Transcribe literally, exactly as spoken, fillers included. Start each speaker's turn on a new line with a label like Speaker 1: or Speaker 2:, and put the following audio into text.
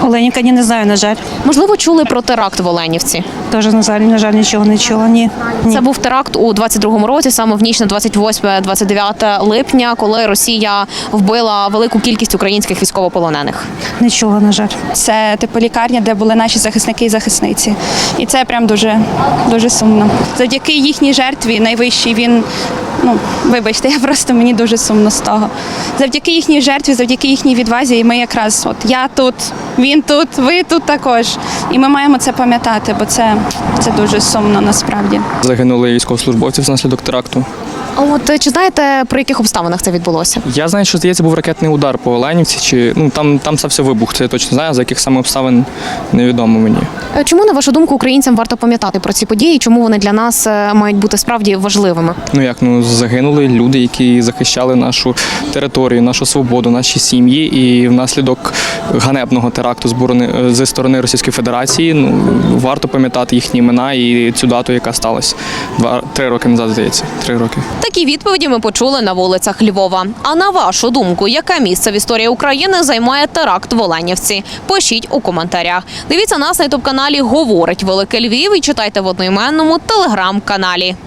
Speaker 1: Оленівка, ні, не знаю, на жаль.
Speaker 2: Можливо, чули про теракт в Оленівці?
Speaker 1: Теж, на жаль, на жаль, нічого не чула. Ні. Ні.
Speaker 2: Це був теракт у двадцять другому році, саме в ніч на двадцять восьме - двадцять дев'яте липня, коли Росія вбила велику кількість українських військовополонених.
Speaker 1: Не чула, на жаль.
Speaker 3: Це типу лікарня, де були наші захисники і захисниці. І це прям дуже, дуже сумно. Завдяки їхній жертві найвищий він, ну, вибачте, я просто мені дуже сумно з того. Завдяки їхній жертві, завдяки їхній відвазі, і ми якраз, от я тут, він тут, ви тут також. І ми маємо це пам'ятати, бо це, це дуже сумно насправді.
Speaker 4: Загинули військовослужбовці внаслідок теракту.
Speaker 2: А от е, чи знаєте, при яких обставинах це відбулося?
Speaker 4: Я знаю, що здається, був ракетний удар по Оленівці, чи ну там там стався вибух. Це я точно знаю, за яких саме обставин невідомо мені.
Speaker 2: Е, Чому, на вашу думку, українцям варто пам'ятати про ці події? Чому вони для нас е, мають бути справді важливими?
Speaker 4: Ну як ну загинули люди, які захищали нашу територію, нашу свободу, наші сім'ї, і внаслідок ганебного теракту зборони зі сторони Російської Федерації. Ну варто пам'ятати їхні імена і цю дату, яка сталася два три роки назад. Здається, три роки.
Speaker 2: Такі відповіді ми почули на вулицях Львова. А на вашу думку, яке місце в історії України займає теракт в Оленівці? Пишіть у коментарях. Дивіться нас на ютуб-каналі «Говорить Велике Львів» і читайте в одноіменному телеграм-каналі.